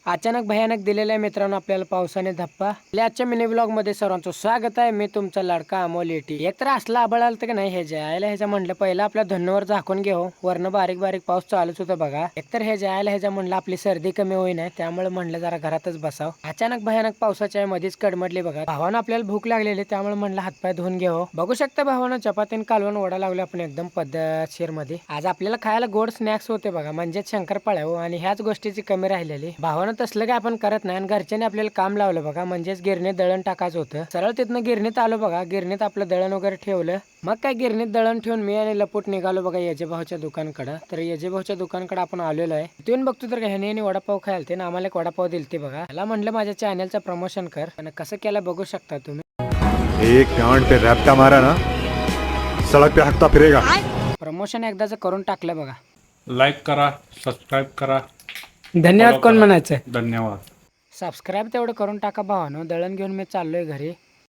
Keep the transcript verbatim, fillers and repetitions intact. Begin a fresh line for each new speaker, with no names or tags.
अचानक भयानक दिलेल्या मित्रांनो आपल्याला पावसाने धप्पा. आपल्या आजच्या मिनी ब्लॉग मध्ये सर्वांचं स्वागत आहे. मी तुमचा लाडका अमोल एटी. एकतर असला आबळ आलं की नाही हे जायला ह्याच्या म्हणलं पहिला आपल्या धन्नवर झाकून घेऊ. वरनं बारीक बारीक पाऊस चालूच होता बघा. एकतर हे जायला ह्याच्या म्हणलं आपली सर्दी कमी होईना त्यामुळे म्हणलं जरा घरातच बसाव. अचानक भयानक पावसाच्या मध्येच कडमडली बघा. भावानं आपल्याला भूक लागलेली त्यामुळे म्हणलं हातपाय धुवून घेऊ. बघू शकता भावानं चपातीन कालवण ओढा लावले आपण एकदम पद्धतशीर मध्ये. आज आपल्याला खायला गोड स्नॅक्स होते बघा, म्हणजे शंकरपाळ्या हो. आणि ह्याच गोष्टीची कमी राहिलेली. भावानं तसलं काय आपण करत नाही आणि घरच्यांनी आपल्याला काम लावलं बघा, म्हणजेच गिरणीत दळण टाकायचं होतं. सरळ तिथनं गिरणीत आलो बघा. गिरणीत आपलं दळण वगैरे ठेवलं. मग काय गिरणीत दळण ठेवून मी आणि लपूट निघालो बघा यजभाऊच्या दुकानकडं. तर यजभाऊच्या दुकानकडे आपण आलेलो आहे. तिथून बघतो तर ह्याने वडापाव खायला ते आम्हाला एक वडापाव दिलते बघा. त्याला म्हणलं माझ्या चॅनलचं प्रमोशन कर आणि कसं केलं बघू शकता तुम्ही.
एक गांड पे रैप्टा मारा ना, सड़क पे हकता फिरेगा.
प्रमोशन एकदाच करून टाकलं बघा.
लाईक करा, सबस्क्राईब करा.
धन्यवाद कोण म्हणायचं.
धन्यवाद.
सबस्क्राईब तेवढं करून टाका भावानो. दळण घेऊन मी चाललोय घरी.